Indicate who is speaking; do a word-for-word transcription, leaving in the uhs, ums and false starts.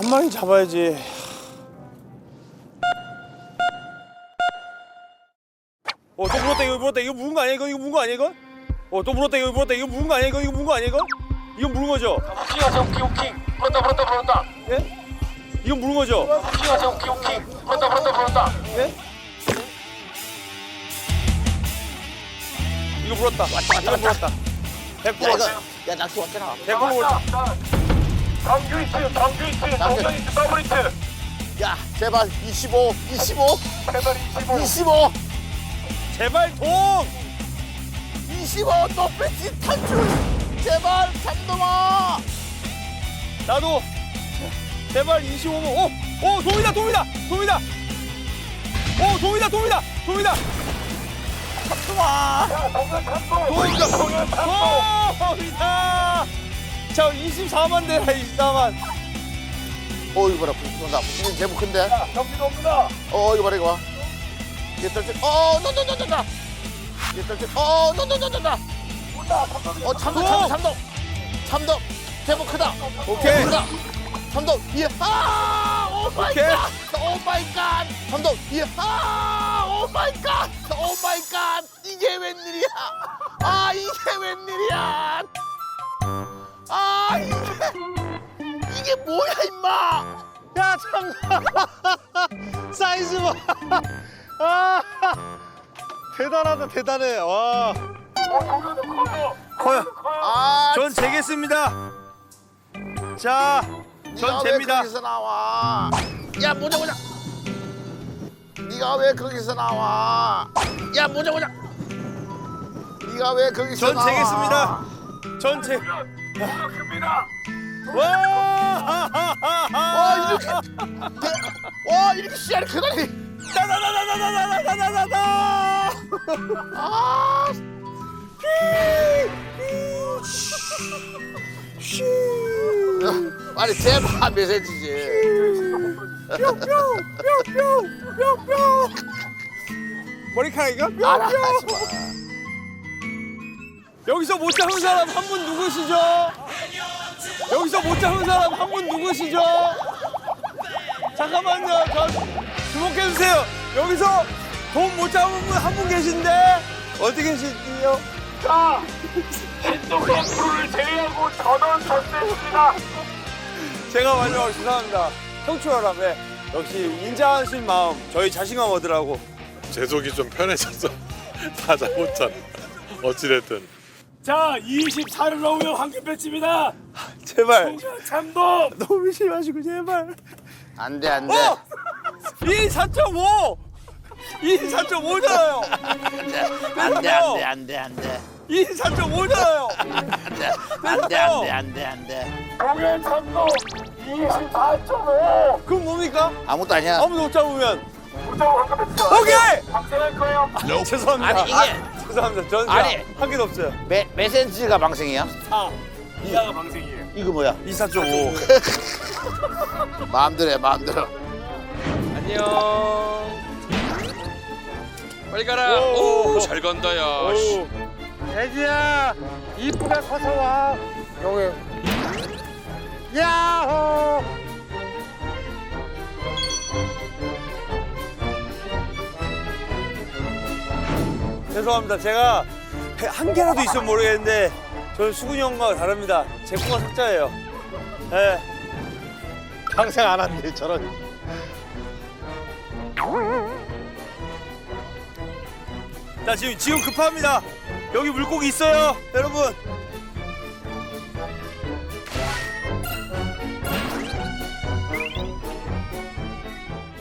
Speaker 1: 한 마리 잡아야지. 어, 또 물었다, 이거 물었다. 이거 물은 거 아니야, 이거? 이거 물은 거 아니야, 이거? 어, 또 물었다, 이거 물었다. 이거 물은 거 아니야, 이거? 이거 물은 거 아니야, 이거? 이거 물은 거죠?
Speaker 2: 오킹하세요, 오킹, 오킹. 물었다, 물었다, 물었다.
Speaker 1: 예? 이거 물은 거죠?
Speaker 2: 오킹하세요, 오킹, 오킹. 물었다, 물었다, 물었다.
Speaker 1: 예? 이거 물었다. 이거 물었다. 백 퍼센트.
Speaker 3: 야, 낚시 왔잖아.
Speaker 1: 백 퍼센트 물었다.
Speaker 2: 정규 히트, 정규 히트, 정규 히트, 더블 히트.
Speaker 3: 야, 제발 이십오, 이십오,
Speaker 2: 제발 이십오.
Speaker 3: 이십오,
Speaker 1: 제발 동!
Speaker 3: 이십오, 너 배치 탈출. 제발 잠동아.
Speaker 1: 나도 제발 이십오번. 오! 오! 동이다! 동이다! 동이다! 오! 동이다! 동이다! 동이다!
Speaker 3: 잠동아.
Speaker 2: 야, 동현 참고.
Speaker 1: 동이다!
Speaker 2: 동현 참고.
Speaker 1: 동이다! 자, 이십사만 대라, 이십사만.
Speaker 3: 어, 이거 봐라, 붙는다. 붙는 제법 큰데.
Speaker 2: 야, 경기도 옵니다.
Speaker 3: 어, 이거 봐라, 이거 봐. 얘 떨지. 어, 너너너너너. 얘 떨지. 어, 너너너너너.
Speaker 2: 온다, 삼성이.
Speaker 3: 어, 참돔, 참돔, 참돔. 참돔. 제법 크다.
Speaker 1: 오케이.
Speaker 3: 크다. 참돔. 예. 아, 오 마이
Speaker 1: 오케이.
Speaker 3: 갓. 오 마이 갓. 참돔. 예. 아, 오 마이 갓. 오 마이 갓. 이게 웬일이야? 아, 이게 웬일이야? 아, 이게 이게 뭐야, 임마?
Speaker 1: 야, 참. 사이즈 봐. 아, 대단하다, 대단해. 와.
Speaker 2: 어, 동현은 커요.
Speaker 1: 커요.
Speaker 3: 아,
Speaker 1: 전 재겠습니다. 자, 전
Speaker 3: 네가 왜
Speaker 1: 잽니다.
Speaker 3: 거기서 나와? 야, 모자 모자. 네가 왜 거기서 나와? 야, 모자 모자. 네가 왜 거기서
Speaker 1: 전
Speaker 3: 나와?
Speaker 1: 재겠습니다. 전 재.
Speaker 2: 동현 큽니다.
Speaker 1: 와!
Speaker 3: 와, 이렇게 와, 이렇게 씨알이 크다니.
Speaker 1: 다다다다다다다다다다.
Speaker 3: 아, 아니 제발 메시지지.
Speaker 1: 뿅뿅뿅뿅뿅뿅. 머리카락이가
Speaker 3: 알아.
Speaker 1: 뿅뿅. 여기서 못 잡은 사람 한 분 누구시죠? 여기서 못 잡은 사람 한 분 누구시죠? 잠깐만요. 저 주목해 주세요. 여기서 돈 못 잡은 분 한 분 계신데 어디 계시지요?
Speaker 2: 자, 신동엽 프로를 제외하고 전원 전세입니다.
Speaker 1: 제가 마지막으로 죄송합니다. 청출하라며 역시 인자하신 마음 저희 자신감 얻으라고.
Speaker 4: 제 속이 좀 편해져서 다 잡았잖아. 어찌됐든.
Speaker 2: 자, 이십사를 넣으면 황금 배치입니다.
Speaker 1: 제발
Speaker 2: 동현 참돔.
Speaker 1: 너무 심하시고 제발.
Speaker 3: 안돼 안돼.
Speaker 1: 어! 이십사 점 오! 이십사 점 오잖아요.
Speaker 3: 안돼 안돼 안돼 안돼.
Speaker 1: 이십사 점 오잖아요.
Speaker 3: 안돼 안돼 안돼 안돼 안돼.
Speaker 2: 동현 참돔 이십사 점 오.
Speaker 1: 그럼 뭡니까?
Speaker 3: 아무것도 아니야.
Speaker 1: 아무도 못 잡으면
Speaker 2: 무조건 황금 배치다.
Speaker 1: 오케이!
Speaker 2: 방생할 거예요.
Speaker 1: 죄송합니다.
Speaker 3: 아니 이게
Speaker 1: 죄송합니다. 저는
Speaker 3: 아니.
Speaker 1: 한 개도 없어요.
Speaker 3: 메 메센지가 방생이야?
Speaker 2: 아, 이하가 방생이에요.
Speaker 3: 이거 뭐야?
Speaker 1: 이십사 점 오.
Speaker 3: 마음대로 해 마음대로.
Speaker 5: 안녕. 빨리 가라.
Speaker 1: 오.
Speaker 5: 오, 잘 간다 야. 씨.
Speaker 1: 애기야 이쁘게 커서 와. 여기. 야호. 죄송합니다. 제가 한 개라도 있으면 모르겠는데 저는 수근이 형과 다릅니다. 제 코가 석자예요. 예.
Speaker 3: 방생 안 한대 저런.
Speaker 1: 자 지금 지금 급합니다. 여기 물고기 있어요, 여러분.